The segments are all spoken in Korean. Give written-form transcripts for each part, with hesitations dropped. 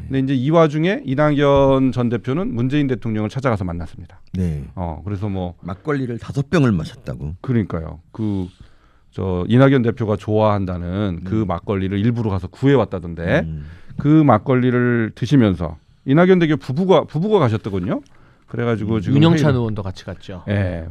근데 이제 이 와중에 이낙연 전 대표는 문재인 대통령을 찾아가서 만났습니다. 네. 그래서 뭐 막걸리를 5병을 마셨다고. 그러니까요. 이낙연 대표가 좋아한다는 그 막걸리를 일부러 가서 구해왔다던데 그 막걸리를 드시면서 이낙연 대표 부부가 가셨더군요. 그래가지고 지금 윤영찬 의원도 같이 갔죠. 예,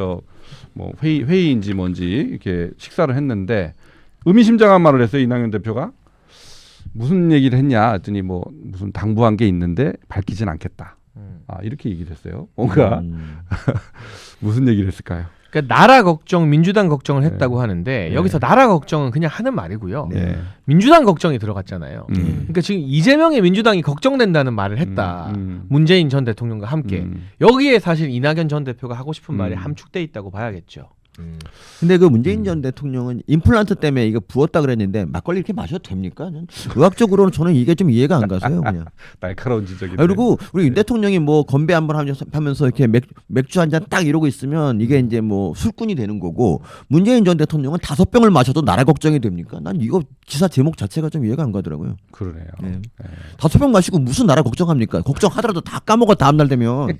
회의인지 뭔지 이렇게 식사를 했는데 의미심장한 말을 했어요. 이낙연 대표가 무슨 얘기를 했냐 했더니 뭐 무슨 당부한 게 있는데 밝히진 않겠다. 이렇게 얘기를 했어요. 뭔가 무슨 얘기를 했을까요? 그러니까 나라 걱정, 민주당 걱정을 했다고 네. 하는데 네. 여기서 나라 걱정은 그냥 하는 말이고요. 네. 민주당 걱정이 들어갔잖아요. 그러니까 지금 이재명의 민주당이 걱정된다는 말을 했다. 문재인 전 대통령과 함께. 여기에 사실 이낙연 전 대표가 하고 싶은 말이 함축돼 있다고 봐야겠죠. 근데 그 문재인 전 대통령은 임플란트 때문에 이거 부었다 그랬는데 막걸리 이렇게 마셔도 됩니까? 의학적으로는 저는 이게 좀 이해가 안 가서요. 그냥. 날카로운 지적이. 그리고 우리 윤 대통령이 뭐 건배 한번 하면서 이렇게 맥주 한 잔 딱 이러고 있으면 이게 이제 뭐 술꾼이 되는 거고 문재인 전 대통령은 5병을 마셔도 나라 걱정이 됩니까? 난 이거 기사 제목 자체가 좀 이해가 안 가더라고요. 그러네요. 네. 네. 5병 마시고 무슨 나라 걱정합니까? 걱정하더라도 다 까먹어 다음날 되면.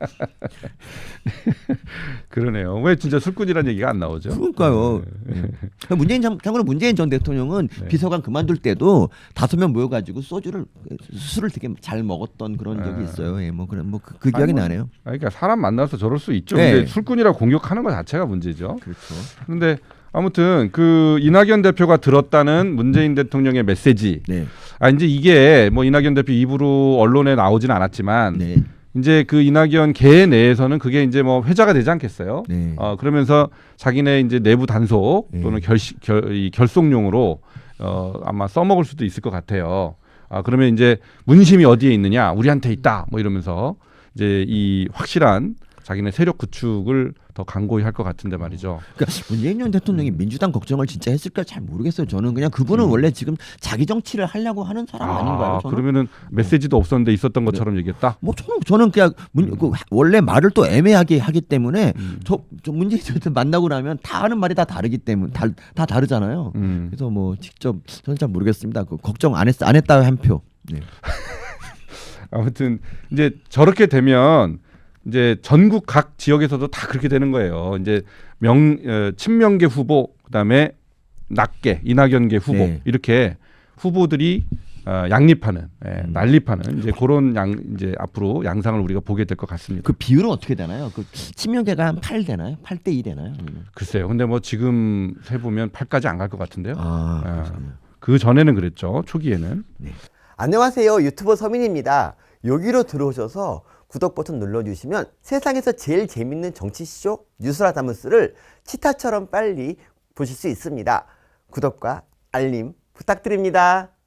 그러네요. 왜 진짜 술꾼이라는 얘기가 안 나오죠? 그러니까요. 참고로 문재인 전 대통령은 네. 비서관 그만둘 때도 5명 모여가지고 술을 되게 잘 먹었던 그런 적이 있어요. 예, 그 기억이 나네요. 그러니까 사람 만나서 저럴 수 있죠. 네. 근데 술꾼이라고 공격하는 것 자체가 문제죠. 그렇죠. 근데 아무튼 그 이낙연 대표가 들었다는 문재인 대통령의 메시지. 네. 이제 이게 뭐 이낙연 대표 입으로 언론에 나오진 않았지만 네. 이제 그 이낙연 계 내에서는 그게 이제 뭐 회자가 되지 않겠어요. 네. 그러면서 자기네 이제 내부 단속 또는 결속용으로 아마 써먹을 수도 있을 것 같아요. 그러면 이제 문심이 어디에 있느냐, 우리한테 있다, 뭐 이러면서 이제 이 확실한 자기네 세력 구축을 더 강고히 할 것 같은데 말이죠. 그러니까 문재인 전 대통령이 민주당 걱정을 진짜 했을까 잘 모르겠어요. 저는 그냥 그분은 원래 지금 자기 정치를 하려고 하는 사람 아닌가요? 저는? 그러면은 메시지도 없었는데 있었던 것처럼 얘기했다. 뭐 저는 그냥 원래 말을 또 애매하게 하기 때문에 저 문재인 전 대통령 만나고 나면 다 하는 말이 다 다르기 때문에 다 다르잖아요. 그래서 뭐 직접 저는 잘 모르겠습니다. 그 걱정 안 했다 한 표. 네. 아무튼 이제 저렇게 되면 이제 전국 각 지역에서도 다 그렇게 되는 거예요. 이제 친명계 후보, 그다음에 낙계, 이낙연계 후보 네. 이렇게 후보들이 양립하는, 난립하는 이제 그런 이제 앞으로 양상을 우리가 보게 될 것 같습니다. 그 비율은 어떻게 되나요? 그 친명계가 한 8 되나요? 8대 2 되나요? 글쎄요. 근데 뭐 지금 세 보면 8까지 안 갈 것 같은데요. 그렇군요. 그 전에는 그랬죠. 초기에는. 네. 안녕하세요. 유튜버 서민입니다. 여기로 들어오셔서 구독 버튼 눌러주시면 세상에서 제일 재밌는 정치쇼 뉴스라다무스를 치타처럼 빨리 보실 수 있습니다. 구독과 알림 부탁드립니다.